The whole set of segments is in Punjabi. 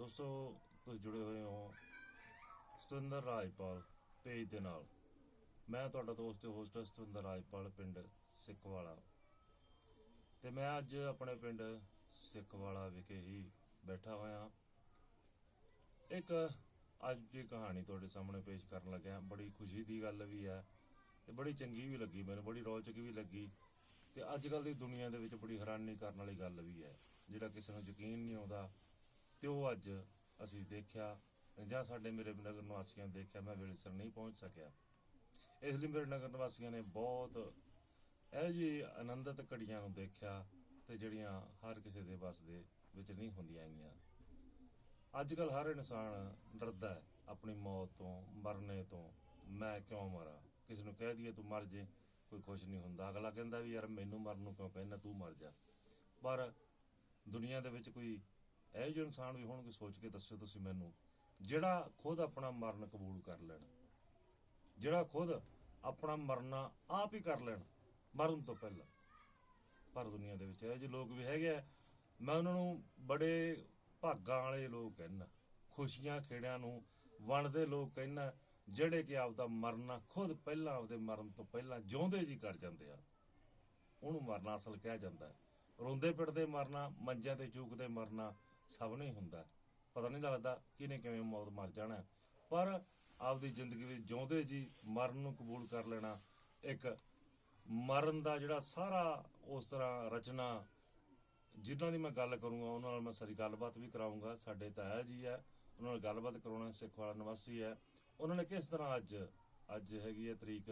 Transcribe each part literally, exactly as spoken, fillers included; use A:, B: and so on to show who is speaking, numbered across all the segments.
A: ਦੋਸਤੋ ਤੁਸੀਂ ਜੁੜੇ ਹੋਏ ਹੋ ਸਤਿੰਦਰ ਰਾਜਪਾਲ ਪੇਜ ਦੇ ਨਾਲ। ਮੈਂ ਤੁਹਾਡਾ ਦੋਸਤ ਤੇ ਹੋਸਟ ਸਤਿੰਦਰ ਰਾਜਪਾਲ ਪਿੰਡ ਸਿੱਖਵਾਲਾ, ਤੇ ਮੈਂ ਅੱਜ ਆਪਣੇ ਪਿੰਡ ਸਿੱਖਵਾਲਾ ਵਿਖੇ ਹੀ ਬੈਠਾ ਹੋਇਆ। ਇੱਕ ਅੱਜ ਦੀ ਕਹਾਣੀ ਤੁਹਾਡੇ ਸਾਹਮਣੇ ਪੇਸ਼ ਕਰਨ ਲੱਗਿਆ। ਬੜੀ ਖੁਸ਼ੀ ਦੀ ਗੱਲ ਵੀ ਹੈ ਤੇ ਬੜੀ ਚੰਗੀ ਵੀ ਲੱਗੀ ਮੈਨੂੰ, ਬੜੀ ਰੌਚਕ ਵੀ ਲੱਗੀ। ਤੇ ਅੱਜ ਕੱਲ੍ਹ ਦੀ ਦੁਨੀਆ ਦੇ ਵਿੱਚ ਬੜੀ ਹੈਰਾਨੀ ਕਰਨ ਵਾਲੀ ਗੱਲ ਵੀ ਹੈ, ਜਿਹੜਾ ਕਿਸੇ ਨੂੰ ਯਕੀਨ ਨਹੀਂ ਆਉਂਦਾ ਤੇ ਉਹ ਅੱਜ ਅਸੀਂ ਦੇਖਿਆ, ਜਾਂ ਸਾਡੇ ਮੇਰੇ ਨਗਰ ਨਿਵਾਸੀਆਂ ਨੇ ਦੇਖਿਆ। ਮੈਂ ਵੇਲੇ ਸਿਰ ਨਹੀਂ ਪਹੁੰਚ ਸਕਿਆ, ਇਸ ਲਈ ਮੇਰੇ ਨਗਰ ਨਿਵਾਸੀਆਂ ਨੇ ਬਹੁਤ ਇਹੋ ਜਿਹੀ ਆਨੰਦਿਤ ਘੜੀਆਂ ਨੂੰ ਦੇਖਿਆ ਤੇ ਜਿਹੜੀਆਂ ਹਰ ਕਿਸੇ ਦੇ ਵੱਸ ਦੇ ਵਿੱਚ ਨਹੀਂ ਹੁੰਦੀਆਂ ਹੈਗੀਆਂ। ਅੱਜ ਕੱਲ੍ਹ ਹਰ ਇਨਸਾਨ ਡਰਦਾ ਹੈ ਆਪਣੀ ਮੌਤ ਤੋਂ, ਮਰਨੇ ਤੋਂ। ਮੈਂ ਕਿਉਂ ਮਰਾਂ? ਕਿਸੇ ਨੂੰ ਕਹਿ ਦਈਏ ਤੂੰ ਮਰ ਜੇ, ਕੋਈ ਖੁਸ਼ ਨਹੀਂ ਹੁੰਦਾ। ਅਗਲਾ ਕਹਿੰਦਾ ਵੀ ਯਾਰ ਮੈਨੂੰ ਮਰਨ ਨੂੰ ਕਿਉਂ ਕਹਿੰਦਾ, ਤੂੰ ਮਰ ਜਾ। ਪਰ ਦੁਨੀਆ ਦੇ ਵਿੱਚ ਕੋਈ ਇਹੋ ਜਿਹੇ ਇਨਸਾਨ ਵੀ ਹੋਣਗੇ, ਸੋਚ ਕੇ ਦੱਸੋ ਤੁਸੀਂ ਮੈਨੂੰ, ਜਿਹੜਾ ਖੁਦ ਆਪਣਾ ਮਰਨ ਕਬੂਲ ਕਰ ਲੈਣ, ਜਿਹੜਾ ਖੁਦ ਆਪਣਾ ਮਰਨਾ ਆਪ ਹੀ ਕਰ ਲੈਣ ਮਰਨ ਤੋਂ ਪਹਿਲਾਂ। ਪਰ ਦੁਨੀਆ ਦੇ ਵਿੱਚ ਇਹੋ ਜਿਹੇ ਲੋਕ ਵੀ ਹੈਗੇ ਆ। ਮੈਂ ਉਹਨਾਂ ਨੂੰ ਬੜੇ ਭਾਗਾਂ ਵਾਲੇ ਲੋਕ ਕਹਿੰਦਾ, ਖੁਸ਼ੀਆਂ ਖੇੜਿਆਂ ਨੂੰ ਵੰਡਦੇ ਲੋਕ ਕਹਿੰਦਾ, ਜਿਹੜੇ ਕਿ ਆਪਦਾ ਮਰਨਾ ਖੁਦ ਪਹਿਲਾਂ ਆਪਦੇ ਮਰਨ ਤੋਂ ਪਹਿਲਾਂ ਜਿਉਂਦੇ ਜੀ ਕਰ ਜਾਂਦੇ ਆ। ਉਹਨੂੰ ਮਰਨਾ ਅਸਲ ਕਿਹਾ ਜਾਂਦਾ। ਰੋਂਦੇ ਪਿੱਟਦੇ ਮਰਨਾ, ਮੰਜਿਆਂ ਤੇ ਚੂਕਦੇ ਮਰਨਾ ਸਭ ਨੂੰ ਹੀ ਹੁੰਦਾ। ਪਤਾ ਨਹੀਂ ਲੱਗਦਾ ਕਿਹਨੇ ਕਿਵੇਂ ਮੌਤ ਮਰ ਜਾਣਾ, ਪਰ ਆਪਦੀ ਜ਼ਿੰਦਗੀ ਵਿੱਚ ਜਿਉਂਦੇ ਜੀ ਮਰਨ ਨੂੰ ਕਬੂਲ ਕਰ ਲੈਣਾ, ਇੱਕ ਮਰਨ ਦਾ ਜਿਹੜਾ ਸਾਰਾ ਉਸ ਤਰ੍ਹਾਂ ਰਚਨਾ, ਜਿਨ੍ਹਾਂ ਦੀ ਮੈਂ ਗੱਲ ਕਰੂੰਗਾ ਉਹਨਾਂ ਨਾਲ ਮੈਂ ਸਾਰੀ ਗੱਲਬਾਤ ਵੀ ਕਰਾਊਂਗਾ। ਸਾਡੇ ਤਾਇਆ ਜੀ ਹੈ, ਉਹਨਾਂ ਨਾਲ ਗੱਲਬਾਤ ਕਰਾਉਣਾ। ਸਿੱਖਵਾਲਾ ਨਿਵਾਸੀ ਹੈ। ਉਹਨਾਂ ਨੇ ਕਿਸ ਤਰ੍ਹਾਂ ਅੱਜ ਅੱਜ ਹੈਗੀ ਹੈ ਤਰੀਕ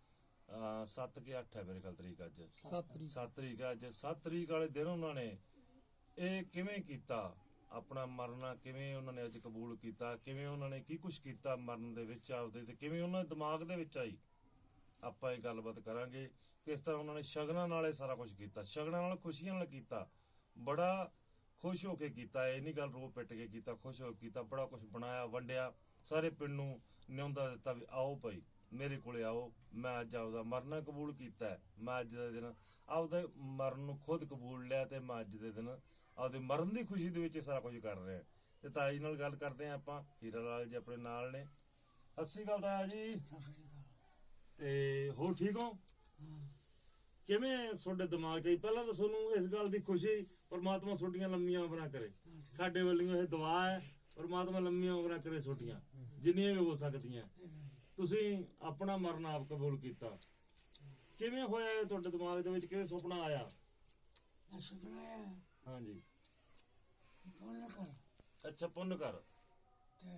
A: ਸੱਤ ਕਿ ਅੱਠ ਹੈ ਮੇਰੇ ਖਿਆਲ ਤਰੀਕ, ਅੱਜ ਸੱਤ ਤਰੀਕ ਸੱਤ ਤਰੀਕ ਹੈ। ਅੱਜ ਸੱਤ ਤਰੀਕ ਵਾਲੇ ਦਿਨ ਉਹਨਾਂ ਨੇ ਇਹ ਕਿਵੇਂ ਕੀਤਾ, ਆਪਣਾ ਮਰਨਾ ਕਿਵੇਂ ਉਹਨਾਂ ਨੇ ਅੱਜ ਕਬੂਲ ਕੀਤਾ, ਕਿਵੇਂ ਉਹਨਾਂ ਨੇ ਕੀ ਕੁਛ ਕੀਤਾ ਮਰਨ ਦੇ ਵਿੱਚ ਆਪਦੇ, ਤੇ ਕਿਵੇਂ ਉਹਨਾਂ ਦੇ ਦਿਮਾਗ ਦੇ ਵਿੱਚ ਆਈ। ਆਪਾਂ ਇਹ ਗੱਲਬਾਤ ਕਰਾਂਗੇ ਕਿਸ ਤਰ੍ਹਾਂ ਉਹਨਾਂ ਨੇ ਸ਼ਗਨਾਂ ਨਾਲ ਇਹ ਸਾਰਾ ਕੁਛ ਕੀਤਾ, ਸ਼ਗਨਾਂ ਨਾਲ, ਖੁਸ਼ੀਆਂ ਨਾਲ ਕੀਤਾ, ਬੜਾ ਖੁਸ਼ ਹੋ ਕੇ ਕੀਤਾ। ਇਹ ਨਹੀਂ ਗੱਲ ਰੋ ਪਿੱਟ ਕੇ ਕੀਤਾ, ਖੁਸ਼ ਹੋ ਕੇ ਕੀਤਾ। ਬੜਾ ਕੁਛ ਬਣਾਇਆ, ਵੰਡਿਆ, ਸਾਰੇ ਪਿੰਡ ਨੂੰ ਨਿਉਂਦਾ ਦਿੱਤਾ ਵੀ ਆਓ ਭਾਈ ਮੇਰੇ ਕੋਲੇ ਆਓ, ਮੈਂ ਅੱਜ ਆਪਦਾ ਮਰਨਾ ਕਬੂਲ ਕੀਤਾ। ਮੈਂ ਅੱਜ ਦੇ ਦਿਨ ਆਪਦੇ ਮਰਨ ਨੂੰ ਖੁਦ ਕਬੂਲ ਲਿਆ, ਤੇ ਮੈਂ ਅੱਜ ਦੇ ਦਿਨ ਆਪਦੇ ਮਰਨ ਦੀ ਖੁਸ਼ੀ ਦੇ ਵਿੱਚ ਸਾਰਾ ਕੁਝ ਕਰ ਰਿਹਾ। ਤੇ ਤਾਇਆ ਜੀ ਨਾਲ ਗੱਲ ਕਰਦੇ ਹਾਂ ਆਪਾਂ। ਹੀਰਾ ਲਾਲ ਜੀ ਆਪਣੇ ਨਾਲ ਨੇ। ਸਤਿ ਸ਼੍ਰੀ ਅਕਾਲ ਤਾਇਆ ਜੀ। ਤੇ ਹੋਰ ਠੀਕ ਹੋ? ਕਿਵੇਂ ਤੁਹਾਡੇ ਦਿਮਾਗ 'ਚ ਆਈ? ਪਹਿਲਾਂ ਤਾਂ ਤੁਹਾਨੂੰ ਇਸ ਗੱਲ ਦੀ ਖੁਸ਼ੀ, ਪਰਮਾਤਮਾ ਤੁਹਾਡੀਆਂ ਲੰਮੀਆਂ ਉਮਰਾਂ ਕਰੇ। ਸਾਡੇ ਵੱਲੋਂ ਇਹ ਦੁਆ ਹੈ, ਪਰਮਾਤਮਾ ਲੰਮੀਆਂ ਉਮਰਾਂ ਕਰੇ ਤੁਹਾਡੀਆਂ, ਜਿੰਨੀਆਂ ਵੀ ਹੋ ਸਕਦੀਆਂ। ਤੁਸੀਂ ਆਪਣਾ ਮਰਨ ਆਪ ਕਬੂਲ ਕੀਤਾ। ਕਿਵੇਂ ਹੋਇਆ ਇਹ ਤੁਹਾਡੇ ਦਿਮਾਗ ਦੇ ਵਿੱਚ? ਕਿਵੇਂ ਸੁਪਨਾ ਆਇਆ?
B: ਸੁਪਨਾ ਆਇਆ
A: ਹਾਂਜੀ।
B: ਪੁੰਨ ਕਰ।
A: ਅੱਛਾ, ਪੁੰਨ ਕਰ।
B: ਤੇ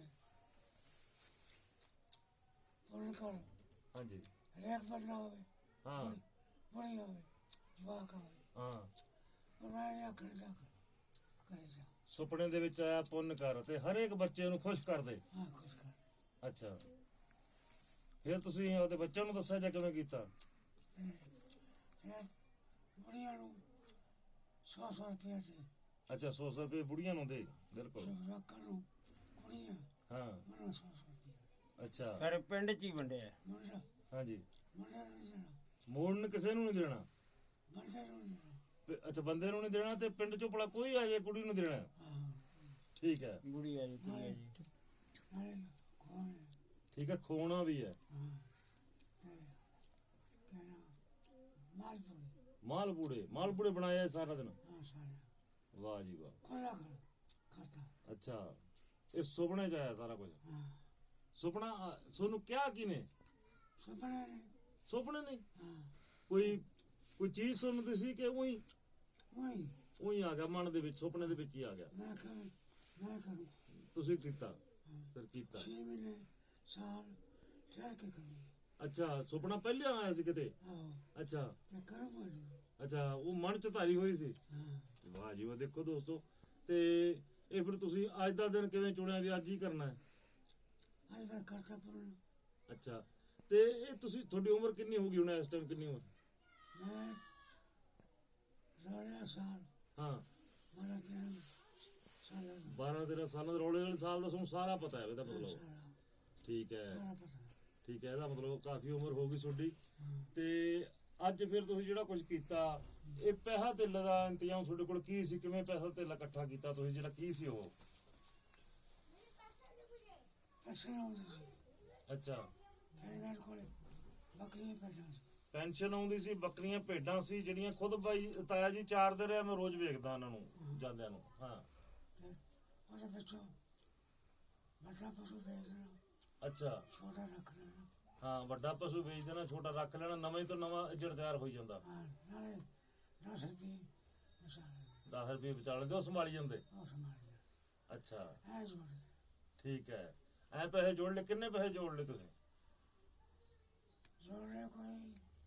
B: ਪੁੰਨ ਕਰ।
A: ਹਾਂਜੀ।
B: ਹਰੇਕ ਬੰਦਾ ਹੋਵੇ,
A: ਹਾਂ,
B: ਬੁੜੀ ਹੋਵੇ, ਜਵਾਕ ਹੋਵੇ,
A: ਹਾਂ।
B: ਪਰ ਮੈਂ ਨਹੀਂ ਆਖਣ ਜਾ ਕਰੇ ਜਾ।
A: ਸੁਪਨੇ ਦੇ ਵਿੱਚ ਆਇਆ ਪੁੰਨ ਕਰ, ਤੇ ਹਰੇਕ ਬੱਚੇ ਨੂੰ ਖੁਸ਼ ਕਰ ਦੇ।
B: ਹਾਂ, ਖੁਸ਼ ਕਰ।
A: ਅੱਛਾ, ਫਿਰ ਤੁਸੀਂ ਉਹਦੇ ਬੱਚਿਆਂ ਨੂੰ ਦੱਸਿਆ ਜਾਂ ਕਿਵੇਂ ਕੀਤਾ?
B: ਤੇ ਫਿਰ ਬੁੜੀਆਂ ਨੂੰ ਸੌ ਸੌ ਰੁਪਇਆ ਦੇ।
A: ਅੱਛਾ, ਸੌ ਸੌ ਰੁਪਏ ਬੁੜੀਆਂ ਨੂੰ ਦੇ। ਬਿਲਕੁਲ।
B: ਜਵਾਕਾਂ ਨੂੰ, ਕੁੜੀਆਂ
A: ਹਾਂ।
B: ਮੈਨੂੰ ਸੌ ਸੌ ਰੁਪਇਆ।
A: ਅੱਛਾ,
C: ਸਾਰੇ ਪਿੰਡ 'ਚ ਹੀ ਵੰਡਿਆ।
B: ਮੁੰਡਾ
A: ਹਾਂਜੀ।
B: ਮੁੰਡੇ ਨੂੰ ਨਹੀਂ ਦੇਣਾ,
A: ਮੋੜਨ ਕਿਸੇ ਨੂੰ ਨਹੀਂ ਦੇਣਾ।
B: ਬੰਦੇ ਨੂੰ ਨਹੀਂ ਦੇਣਾ।
A: ਪ- ਅੱਛਾ, ਬੰਦੇ ਨੂੰ ਨਹੀਂ ਦੇਣਾ, ਤੇ ਪਿੰਡ ਚੋਂ ਭਲਾ ਕੋਈ ਆ ਜਾਏ ਕੁੜੀ ਨੂੰ ਦੇਣਾ।
B: ਹਾਂ,
A: ਠੀਕ ਹੈ,
C: ਬੁੜੀ ਆ ਜੀ, ਕੁੜੀ ਆ ਜੀ।
B: ਨਾਲੇ ਖੋਣ।
A: ਠੀਕ ਹੈ। ਖੋਣਾ ਵੀ ਹੈ।
B: ਹਾਂ, ਤੇ ਕਹਿਣਾ ਮਾਲਪੁਰੀ।
A: ਮਾਲਪੂੜੇ, ਮਾਲਪੂੜੇ ਬਣਾਇਆ ਸਾਰਾ ਦਿਨ।
B: ਹਾਂ, ਸਾਰਾ
A: ਵਾਹ ਜੀ ਵਾਹ।
B: ਖੋਲਾ ਕਰ ਖਾਤਾ।
A: ਅੱਛਾ, ਇਹ ਸੁਪਨੇ 'ਚ ਆਇਆ ਸਾਰਾ ਕੁਝ।
B: ਹਾਂ,
A: ਸੁਪਨਾ ਆ- ਤੁਹਾਨੂੰ ਕਿਹਾ ਕਿਨੇ?
B: ਸੁਪਨੇ ਨੇ।
A: ਸੁਪਨੇ ਨਹੀਂ,
B: ਹਾਂ,
A: ਕੋਈ ਕੋਈ ਚੀਜ਼ ਸੁਣਦੀ ਸੀ ਕਿ ਉਹੀ
B: ਉਹੀ
A: ਉਹੀ ਆ ਗਿਆ ਮਨ ਦੇ ਵਿੱਚ, ਸੁਪਨੇ ਦੇ ਵਿੱਚ ਹੀ ਆ ਗਿਆ।
B: ਮੈਂ ਕਰ ਮੈਂ ਕਰੂੰ।
A: ਤੁਸੀਂ ਕੀਤਾ,
B: ਹਾਂ,
A: ਫਿਰ ਕੀਤਾ।
B: ਛੇ ਮਹੀਨੇ ਸਾਲ ਠਹਿਰ ਕੇ ਕਰੂੰਗੀ।
A: ਅੱਛਾ, ਸੁਪਨਾ ਪਹਿਲਾਂ ਆਇਆ ਸੀ ਕਿਤੇ?
B: ਆਹੋ,
A: ਅੱਛਾ
B: ਤੇ ਕਰੂੰਗਾ ਜੀ।
A: ਅੱਛਾ, ਉਹ ਮਨ 'ਚ ਧਾਰੀ ਹੋਈ ਸੀ।
B: ਹਾਂ,
A: ਵਾਹ ਜੀ ਵਾਹ। ਦੇਖੋ ਦੋਸਤੋ, ਤੇ ਇਹ ਫਿਰ ਤੁਸੀਂ ਅੱਜ ਦਾ ਦਿਨ ਕਿਵੇਂ ਚੁਣਿਆ ਵੀ ਅੱਜ ਹੀ ਕਰਨਾ ਹੈ?
B: ਅੱਜ ਮੈਂ ਕਰਤਾ ਪੂਰਨ।
A: ਅੱਛਾ, ਤੇ ਇਹ ਤੁਸੀਂ, ਤੁਹਾਡੀ ਉਮਰ ਕਿੰਨੀ ਹੋ ਗਈ ਹੁਣ ਇਸ ਟਾਈਮ? ਕਿੰਨੀ ਉਮਰ?
B: ਮੈਂ ਰੋਲਿਆ ਸਾਲ
A: ਹਾਂ,
B: ਮਾਰਾ ਤੇਰਾਂ ਸਾਲਾਂ ਦਾ।
A: ਬਾਰਾਂ ਤੇਰਾਂ ਸਾਲਾਂ ਦੇ ਰੌਲੇ ਵਾਲੇ ਸਾਲ ਦਾ ਤੁਹਾਨੂੰ ਸਾਰਾ ਪਤਾ ਹੈ ਇਹਦਾ ਮਤਲਬ?
B: ਸਾਰਾ
A: ਠੀਕ ਹੈ,
B: ਸਾਰਾ ਪਤਾ।
A: ਠੀਕ ਹੈ। ਇਹਦਾ ਮਤਲਬ ਕਾਫੀ ਉਮਰ ਹੋ ਗਈ ਤੁਹਾਡੀ।
B: ਹਾਂ,
A: ਤੇ ਅੱਜ ਫਿਰ ਤੁਸੀਂ ਜਿਹੜਾ ਕੁਝ ਕੀਤਾ, ਇਹ ਪੈਸਾ ਧੇਲੇ ਦਾ ਇੰਤਜ਼ਾਮ ਤੁਹਾਡੇ ਕੋਲ ਕੀ ਸੀ? ਕਿਵੇਂ ਪੈਸਾ ਧੇਲਾ ਇਕੱਠਾ ਕੀਤਾ ਤੁਸੀਂ, ਜਿਹੜਾ ਕੀ ਸੀ ਉਹ?
B: ਪੈਨਸ਼ਨ ਆਉਂਦੀ ਸੀ
A: ਅੱਛਾ,
B: ਫਿਰ ਮੇਰੇ ਕੋਲ ਬੱਕਰੀਆਂ ਪੈਦਾ ਸੀ।
A: ਪੈਨਸ਼ਨ ਆਉਂਦੀ ਸੀ, ਬੱਕਰੀਆਂ ਭੇਡਾਂ ਸੀ ਜਿਹੜੀਆਂ ਖੁਦ ਬਾਈ ਤਾਇਆ ਜੀ ਚਾਰਦੇ ਰਿਹਾ, ਮੈਂ ਰੋਜ਼ ਵੇਖਦਾ ਉਹਨਾਂ ਨੂੰ ਜਾਂਦਿਆਂ ਨੂੰ। ਹਾਂ
B: ਤੇ ਉਹਦੇ ਵਿੱਚੋਂ ਵੱਡਾ ਪਸ਼ੂ ਵੇਚ ਦੇਣਾ,
A: ਅੱਛਾ,
B: ਛੋਟਾ ਰੱਖ ਲੈਣਾ।
A: ਹਾਂ ਵੱਡਾ ਪਸ਼ੂ ਵੇਚ ਦੇਣਾ, ਛੋਟਾ ਰੱਖ ਲੈਣਾ, ਨਵੇਂ ਤੋਂ ਨਵਾਂ ਇੱਜੜ ਤਿਆਰ ਹੋਈ ਜਾਂਦਾ।
B: ਹਾਂ ਨਾਲੇ ਦਸ ਰੁਪਏ ਮਸਾਲੇ
A: ਦਸ ਰੁਪਏ ਬਚਾ ਲੈਂਦੇ, ਉਹ ਸੰਭਾਲੀ ਜਾਂਦੇ।
B: ਉਹ ਸੰਭਾਲ ਲਿਆ
A: ਅੱਛਾ
B: ਐ ਜੋੜੇ
A: ਠੀਕ ਹੈ। ਐ ਪੈਸੇ ਜੋੜ ਲਏ, ਕਿੰਨੇ ਪੈਸੇ ਜੋੜ ਲਏ ਤੁਸੀਂ?
B: ਜੋੜ ਲਿਆ ਕੋਈ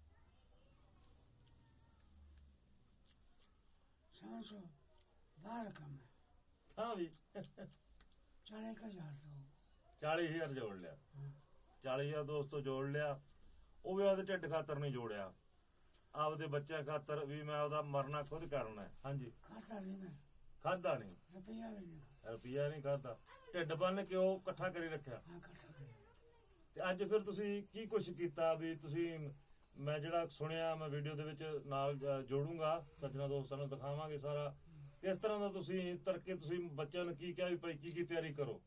B: ਸਮਝ ਲਓ ਬਾਹਰ ਕੰਮ ਹੈ।
A: ਹਾਂ ਵੀ
B: ਚਾਲੀ ਕੁ ਹਜ਼ਾਰ ਤੋਂ
A: ਚਾਲੀ ਹਜ਼ਾਰ ਜੋੜ ਲਿਆ।
B: ਹਾਂ
A: ਚਾਲੀ ਹਜ਼ਾਰ ਦੋਸਤੋ ਜੋੜ ਲਿਆ। ਉਹ ਵੀ ਆਪਦੇ ਢਿੱਡ ਖਾਤਰ ਨਹੀਂ ਜੋੜਿਆ, ਆਪਦੇ ਬੱਚਿਆਂ ਖਾਤਰ ਵੀ ਮੈਂ ਉਹਦਾ ਮਰਨਾ ਖੁਦ ਕਰਨਾ ਹੈ। ਹਾਂਜੀ
B: ਖਾਤਾ ਨਹੀਂ ਮੈਂ
A: ਖਾਦਾ ਨਹੀਂ,
B: ਰੁਪਈਆ ਵੀ ਨਹੀਂ
A: ਰੁਪਈਆ ਨਹੀਂ ਖਾਦਾ, ਢਿੱਡ ਬੰਨ ਕੇ ਉਹ ਇਕੱਠਾ ਕਰੀ ਰੱਖਿਆ।
B: ਹਾਂ ਇਕੱਠਾ ਕਰਿਆ।
A: ਤੇ ਅੱਜ ਫਿਰ ਤੁਸੀਂ ਕੀ ਕੁਛ ਕੀਤਾ ਵੀ ਤੁਸੀਂ, ਮੈਂ ਜਿਹੜਾ ਸੁਣਿਆ ਮੈਂ ਵੀਡੀਓ ਦੇ ਵਿੱਚ ਨਾਲ ਜ- ਜੋੜੂੰਗਾ, ਸੱਜਣਾ ਦੋਸਤਾਂ ਨੂੰ ਦਿਖਾਵਾਂਗੇ ਸਾਰਾ ਕਿਸ ਤਰ੍ਹਾਂ ਦਾ ਤੁਸੀਂ ਤਰਕੇ, ਤੁਸੀਂ ਬੱਚਿਆਂ ਨੂੰ ਕੀ ਕਿਹਾ ਵੀ ਭਾਈ ਕੀ ਕੀ ਤਿਆਰੀ ਕਰੋ?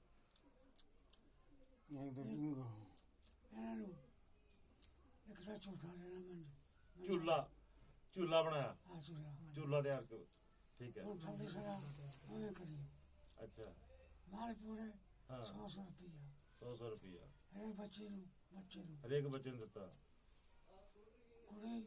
B: ਇਹਨਾਂ ਨੂੰ ਇੱਕ ਤਾਂ ਝੂਠਾ ਲੈਣਾ ਮੰਜ
A: ਝੂਲਾ ਝੂਲਾ ਬਣਾਇਆ,
B: ਆ ਝੂਲਾ
A: ਝੂਲਾ ਤਿਆਰ ਕਰੋ, ਠੀਕ ਹੈ।
B: ਹੁਣ ਥੋੜੀ ਸਰਾ ਉਹਨੇ ਕਰੀ
A: ਅੱਛਾ
B: ਮਾਲ ਪੂਰੇ
A: ਹਾਂ,
B: ਸੌ ਸੌ ਰੁਪਈਆ
A: ਸੌ ਸੌ ਰੁਪਈਆ
B: ਇਹ ਬੱਚੇ ਨੂੰ ਬੱਚੇ ਨੂੰ
A: ਹਰੇਕ ਬੱਚੇ ਨੂੰ ਦਿੱਤਾ।
B: ਕੁੜੀ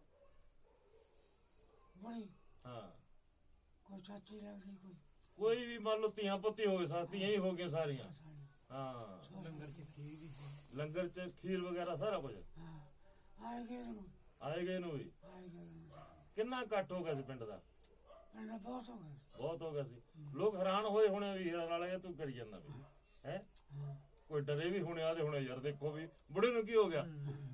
B: ਬੜੀ
A: ਹਾਂ
B: ਕੋਈ ਚਾਚੀ ਲੱਗਦੀ ਕੋਈ
A: ਕੋਈ ਵੀ ਮੰਨ ਲਓ ਧੀਆਂ ਪੁੱਤੀ ਹੋ ਗਏ, ਸਾ ਧੀਆਂ ਹੀ ਹੋ ਗਈਆਂ ਸਾਰੀਆਂ।
B: ਸਾਡੀ
A: ਹਾਂ
C: ਲੰਗਰ ਚ ਖੀਰ ਵੀ ਸੀ।
A: ਲੰਗਰ ਚ ਖੀਰ ਵਗੈਰਾ ਸਾਰਾ ਕੁਝ
B: ਹਾਂ ਆਏ ਗਏ ਨੂੰ
A: ਆਏ ਗਏ ਨੂੰ ਵੀ।
B: ਆਏ ਗਏ ਨੂੰ
A: ਕਿੰਨਾ ਇਕੱਠ ਹੋ ਗਿਆ ਸੀ ਪਿੰਡ ਦਾ?
B: ਪਿੰਡ ਦਾ ਬਹੁਤ ਹੋ ਗਏ।
A: ਬਹੁਤ ਹੋ ਗਿਆ ਸੀ। ਲੋਕ ਹੈਰਾਨ ਹੋਏ ਹੋਣੇ ਵੀ ਹੀਰਾ ਵਾਲੇ ਤੂੰ ਕਰੀ ਜਾਂਦਾ ਵੀ ਹੈ,
B: ਹਾਂ
A: ਕੋਈ ਡਰੇ ਵੀ ਹੋਣੇ ਆਦੇ ਹੋਣੇ ਯਾਰ ਦੇਖੋ ਵੀ ਬੁੜੇ ਨੂੰ ਕੀ ਹੋ ਗਿਆ।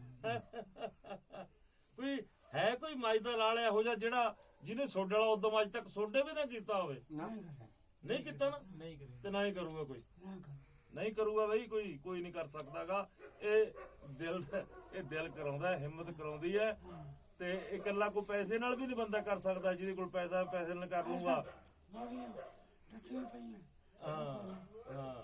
A: ਕੋਈ ਹੈ ਕੋਈ ਮੱਝ ਦਾ ਲਾਲ ਇਹੋ ਜਿਹਾ ਜਿਹੜਾ ਜਿਹਨੇ ਸੋਡੇ ਵਾਲਾ ਉਦੋਂ ਅੱਜ ਤੱਕ ਸੋਡੇ ਵੀ ਨਾ ਕੀਤਾ ਹੋਵੇ?
B: ਨਹੀਂ ਕਰੇ
A: ਨਹੀਂ ਕੀਤਾ ਨਾ,
C: ਨਹੀਂ ਕਰੇ
A: ਤੇ ਨਾ ਹੀ ਕਰੂਗਾ ਕੋਈ,
B: ਨਾ ਕਰ
A: ਨਹੀਂ ਕਰੂਗਾ ਬਈ ਕੋਈ, ਕੋਈ ਨਹੀਂ ਕਰ ਸਕਦਾਗਾ। ਇਹ ਦਿਲ ਇਹ ਦਿਲ ਕਰਾਉਂਦਾ, ਹਿੰਮਤ ਕਰਾਉਂਦੀ ਹੈ। ਤੇ ਇਹ ਇਕੱਲਾ ਕੋਈ ਪੈਸੇ ਨਾਲ ਵੀ ਨਹੀਂ ਬੰਦਾ ਕਰ ਸਕਦਾ, ਜਿਹਦੇ ਕੋਲ ਪੈਸਾ ਪੈਸੇ ਨਾਲ ਕਰ ਲੂਗਾ।
B: ਬੜੀਆਂ ਟੱਟੀਆਂ ਪਈਆਂ
A: ਹਾਂ ਹਾਂ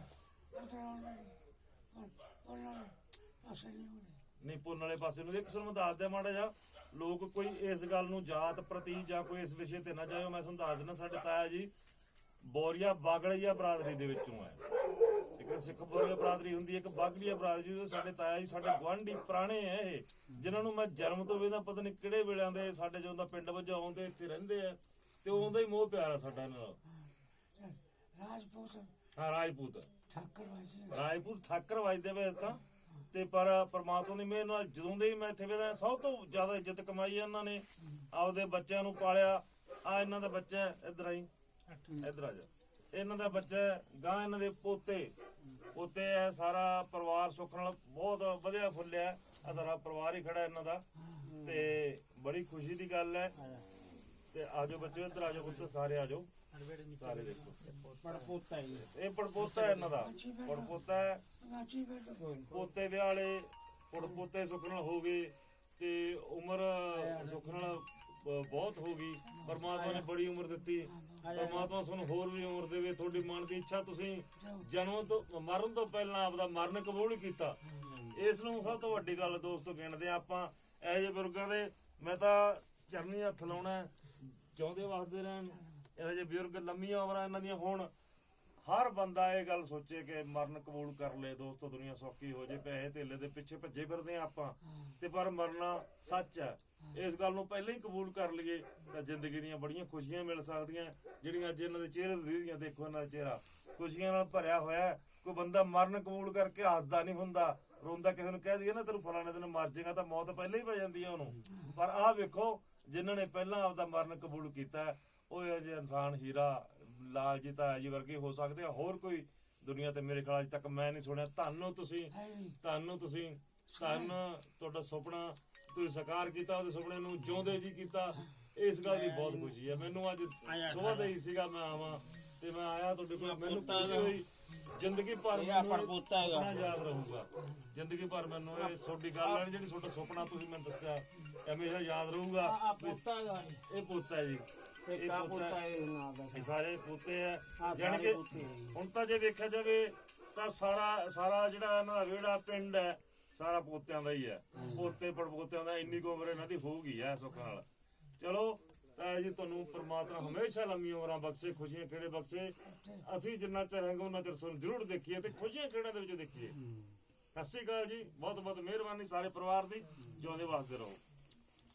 B: ਉਹਨਾਂ ਪਾਸੇ ਨਹੀਂ ਹੁੰਦੇ।
A: ਨਹੀਂ ਪੁੰਨ ਵਾਲੇ ਪਾਸੇ ਨੂੰ। ਇੱਕ ਤੁਹਾਨੂੰ ਮੈਂ ਦੱਸ ਦਿਆਂ ਮਾੜਾ ਜਿਹਾ, ਲੋਕ ਕੋਈ ਇਸ ਗੱਲ ਨੂੰ ਜਾਤ ਪ੍ਰਤੀ ਜਾਂ ਕੋਈ ਇਸ ਵਿਸ਼ੇ ਤੇ ਨਾ ਜਾਇਓ। ਮੈਂ ਤੁਹਾਨੂੰ ਦੱਸ ਦਿੰਦਾ, ਸਾਡੇ ਤਾਇਆ ਜੀ ਬੋਰੀਆ ਬਾਗੜੀਆ ਬਰਾਦਰੀ ਦੇ ਵਿੱਚੋਂ ਹੈ। ਇੱਕ ਸਿੱਖ ਬੋਰੀਆ ਬਰਾਦਰੀ ਹੁੰਦੀ ਹੈ, ਇੱਕ ਬਾਗੜੀਆ ਬਰਾਦਰੀ। ਸਾਡੇ ਤਾਇਆ ਜੀ ਸਾਡੇ ਗੁਆਂਢੀ ਪੁਰਾਣੇ ਹੈ ਇਹ, ਜਿਨ੍ਹਾਂ ਨੂੰ ਮੈਂ ਜਨਮ ਤੋਂ ਵੇਦਾ ਪਤਾ ਨਹੀਂ ਕਿਹੜੇ ਵੇਲਿਆਂ ਦੇ ਸਾਡੇ ਜਦੋਂ ਦਾ ਪਿੰਡ ਵਜੋਂ ਆਉਂਦੇ ਇੱਥੇ ਰਹਿੰਦੇ ਆ, ਤੇ ਉਹਦਾ ਹੀ ਮੋਹ ਪਿਆਰ ਆ ਸਾਡਾ ਇਹਨਾਂ ਨਾਲ।
B: ਰਾਜਪੂਤ
A: ਹਾਂ ਰਾਜਪੂਤ
B: ਠਾਕਰ ਵਾਜੀ
A: ਰਾਜਪੂਤ ਠਾਕਰ ਵੱਜਦੇ ਵੇ ਤਾਂ, ਤੇ ਪਰ ਪ੍ਰਮਾਤਮਾ ਦੀ ਮਿਹਰ ਨਾਲ ਜਦੋਂ ਦੇ ਹੀ ਮੈਂ ਇੱਥੇ ਵੇਦਾ ਸਭ ਤੋਂ ਜ਼ਿਆਦਾ ਇੱਜ਼ਤ ਕਮਾਈ ਹੈ ਇਹਨਾਂ ਨੇ। ਆਪਦੇ ਬੱਚਿਆਂ ਨੂੰ ਪਾਲਿਆ। ਆ ਇਹਨਾਂ ਦਾ ਬੱਚਾ ਇੱਧਰ ਆਈ, ਇੱਧਰ ਆ ਜਾ, ਇਹਨਾਂ ਦਾ ਬੱਚਾ ਗਾਂ, ਇਹਨਾਂ ਦੇ ਪੋਤੇ ਪੋਤੇ ਹੈ। ਸਾਰਾ ਪਰਿਵਾਰ ਸੁੱਖ ਨਾਲ ਬਹੁਤ ਵਧੀਆ ਫੁੱਲਿਆ। ਆ ਸਾਰਾ ਪਰਿਵਾਰ ਹੀ ਖੜਾ ਇਹਨਾਂ ਦਾ, ਤੇ ਬੜੀ ਖੁਸ਼ੀ ਦੀ ਗੱਲ ਹੈ। ਤੇ ਆਜੋ ਬੱਚੇ ਇੱਧਰ ਆਜੋ, ਪੁੱਤ ਸਾਰੇ ਆਜੋ, ਸਾਰੇ ਦੇਖੋ
C: ਪੜਪੋਤਾ ਹੀ
A: ਇਹ ਪੜਪੋਤਾ ਹੈ ਇਹਨਾਂ ਦਾ, ਪੜਪੋਤਾ ਹੈ।
B: ਵਾਜੀ ਬੈਠੋ
A: ਪੋਤੇ ਵਿਆਹ ਵਾਲੇ ਪੜਪੋਤੇ ਸੁੱਖ ਨਾਲ ਹੋ ਗਏ, ਤੇ ਉਮਰ ਸੁੱਖ ਨਾਲ ਬ- ਬਹੁਤ ਹੋ ਗਈ। ਪਰਮਾਤਮਾ ਨੇ ਬੜੀ ਉਮਰ ਦਿੱਤੀ। ਪਰਮਾਤਮਾ ਤੁਹਾਨੂੰ ਹੋਰ ਵੀ ਉਮਰ ਦੇਵੇ। ਤੁਹਾਡੀ ਮਨ ਦੀ ਇੱਛਾ, ਤੁਸੀਂ ਜਨਮ ਤੋਂ ਮਰਨ ਤੋਂ ਪਹਿਲਾਂ ਆਪਦਾ ਮਰਨ ਕਬੂਲ ਕੀਤਾ, ਇਸ ਨੂੰ ਸਭ ਤੋਂ ਵੱਡੀ ਗੱਲ ਦੋਸਤੋ ਗਿਣਦੇ ਆ ਆਪਾਂ। ਇਹੋ ਜਿਹੇ ਬਜ਼ੁਰਗਾਂ ਦੇ ਮੈਂ ਤਾਂ ਚਰਨੀ ਹੱਥ ਲਾਉਣਾ, ਚਾਹੁੰਦੇ ਵਸਦੇ ਰਹਿਣ। ਇਹੋ ਜਿਹੇ ਬਜ਼ੁਰਗ ਲੰਮੀਆਂ ਉਮਰਾਂ ਇਹਨਾਂ ਦੀਆਂ ਹੋਣ। ਹਰ ਬੰਦਾ ਇਹ ਗੱਲ ਸੋਚੇ ਕਿ ਮਰਨ ਕਬੂਲ ਕਰ ਲਏ ਦੋਸਤੋ, ਦੁਨੀਆ ਸੌਖੀ ਹੋ ਜੇ। ਪੈਸੇ ਧੇਲੇ ਦੇ ਪਿੱਛੇ ਭੱਜੇ ਫਿਰਦੇ ਆ ਆਪਾਂ, ਤੇ ਪਰ ਮਰਨਾ ਸੱਚ ਹੈ। ਇਸ ਗੱਲ ਨੂੰ ਪਹਿਲਾਂ ਹੀ ਕਬੂਲ ਕਰ ਲਈਏ ਤਾਂ ਜ਼ਿੰਦਗੀ ਦੀਆਂ ਬੜੀਆਂ ਖੁਸ਼ੀਆਂ ਮਿਲ ਸਕਦੀਆਂ, ਜਿਹੜੀਆਂ ਅੱਜ ਇਹਨਾਂ ਦੇ ਚਿਹਰੇ ਤੇ ਦਿਖਦੀਆਂ। ਦੇਖੋ ਇਹਨਾਂ ਦਾ ਚਿਹਰਾ ਖੁਸ਼ੀਆਂ ਨਾਲ ਭਰਿਆ ਹੋਇਆ। ਕੋਈ ਬੰਦਾ ਮਰਨ ਕਬੂਲ ਕਰਕੇ ਹੱਸਦਾ ਨਹੀਂ ਹੁੰਦਾ, ਰੋਂਦਾ। ਕਿਸੇ ਨੂੰ ਕਹਿ ਦਈਏ ਨਾ ਤੈਨੂੰ ਫਲਾਣੇ ਦਿਨ ਮਰ ਜਾਏਗਾ, ਤਾਂ ਮੌਤ ਪਹਿਲਾਂ ਹੀ ਪੈ ਜਾਂਦੀ ਹੈ ਉਹਨੂੰ। ਪਰ ਆਹ ਵੇਖੋ, ਜਿਨ੍ਹਾਂ ਨੇ ਪਹਿਲਾਂ ਆਪਦਾ ਮਰਨ ਕਬੂਲ ਕੀਤਾ, ਉਹ ਇਹੋ ਜਿਹੇ ਇਨਸਾਨ ਹੀਰਾ ਲਾਲ ਜੀ ਤਾਂ ਜੀ ਵਰਗੇ ਹੋ ਸਕਦੇ ਆ। ਹੋਰ ਕੋਈ ਦੁਨੀਆ ਤੇ ਮੇਰੇ ਖਿਆਲ ਅੱਜ ਤੱਕ ਮੈਂ ਨਹੀਂ ਸੁਣਿਆ। ਤੁਹਾਨੂੰ ਤੁਸੀਂ
B: ਹੈ ਨਹੀਂ
A: ਤੁਹਾਨੂੰ ਤੁਸੀਂ ਧੰਨ ਤੁਹਾਡਾ ਸੁਪਨਾ ਤੁਸੀਂ ਸਾਕਾਰ ਕੀਤਾ, ਉਹਦੇ ਸੁਪਨੇ ਨੂੰ ਜਿਉਂਦੇ ਜੀ ਕੀਤਾ। ਇਸ ਗੱਲ ਦੀ ਬਹੁਤ ਖੁਸ਼ੀ ਹੈ ਮੈਨੂੰ। ਅੱਜ ਸੁਬਾਹ ਦਾ ਹੀ ਸੀਗਾ ਮੈਂ ਆਵਾਂ, ਤੇ ਮੈਂ ਆਇਆ ਤੁਹਾਡੇ ਕੋਲ। ਮੈਨੂੰ ਖੁਸ਼ੀ ਹੋਈ। ਜ਼ਿੰਦਗੀ ਭਰ
C: ਇਹਦਾ ਪੜਪੋਤਾ ਹੈਗਾ।
A: ਸੁਪਨਾ ਯਾਦ ਰਹੂਗਾ ਜ਼ਿੰਦਗੀ ਭਰ ਮੈਨੂੰ। ਇਹ ਤੁਹਾਡੀ ਗੱਲ ਹੈ ਜਿਹੜੀ ਤੁਹਾਡਾ ਸੁਪਨਾ ਤੁਸੀਂ ਮੈਨੂੰ ਦੱਸਿਆ, ਇਹ ਹਮੇਸ਼ਾ ਯਾਦ ਰਹੂਗਾ।
C: ਆ ਪੋਤਾ ਹੈਗਾ
A: ਇਹ ਪੋਤਾ ਹੈ ਜੀ,
C: ਇਹ ਕਾ ਪੋਤਾ ਹੈ ਨਾ ਦਾ
A: ਇਹ ਸਾਰੇ ਪੋਤੇ ਆ।
C: ਹਾਂ,
A: ਜਾਣੀ
C: ਸਾਰੇ
A: ਕਿ
C: ਪੋਤੇ ਆ ਜੀ।
A: ਹੁਣ ਤਾਂ ਜੇ ਵੇਖਿਆ ਜਾਵੇ ਤਾਂ ਸਾਰਾ ਸਾਰਾ ਜਿਹੜਾ ਇਹਨਾਂ ਦਾ ਵਿਹੜਾ ਪਿੰਡ ਹੈ ਸਾਰਾ ਪੋਤਿਆਂ ਦਾ ਹੀ ਹੈ। ਪੋਤੇ ਪੜਪੋਤਿਆਂ ਦਾ ਇੰਨੀ ਕੁ ਉਮਰ ਇਹਨਾਂ ਦੀ ਹੋਊਗੀ ਐ ਸੁੱਖ ਨਾਲ। ਚਲੋ ਤਾਂ ਜੀ ਤੁਹਾਨੂੰ ਪ੍ਰਮਾਤਮਾ ਹਮੇਸ਼ਾ ਲੰਮੀ ਉਮਰਾਂ ਬਖਸ਼ੇ, ਖੁਸ਼ੀਆਂ ਖੇੜੇ ਬਖਸ਼ੇ। ਅਸੀਂ ਜਿੰਨਾ ਚਿਰ ਹੈਗਾ ਉਹਨਾਂ ਚਿਰ ਤੁਹਾਨੂੰ ਜ਼ਰੂਰ ਦੇਖੀਏ ਤੇ ਖੁਸ਼ੀਆਂ ਖੇੜਾਂ ਦੇ ਵਿੱਚ ਦੇਖੀਏ। ਸਤਿ ਸ਼੍ਰੀ ਅਕਾਲ ਜੀ, ਬਹੁਤ ਬਹੁਤ ਮਿਹਰਬਾਨੀ ਸਾਰੇ ਪਰਿਵਾਰ ਦੀ। ਜਿਉਂਦੇ ਵਸਦੇ ਰਹੋ।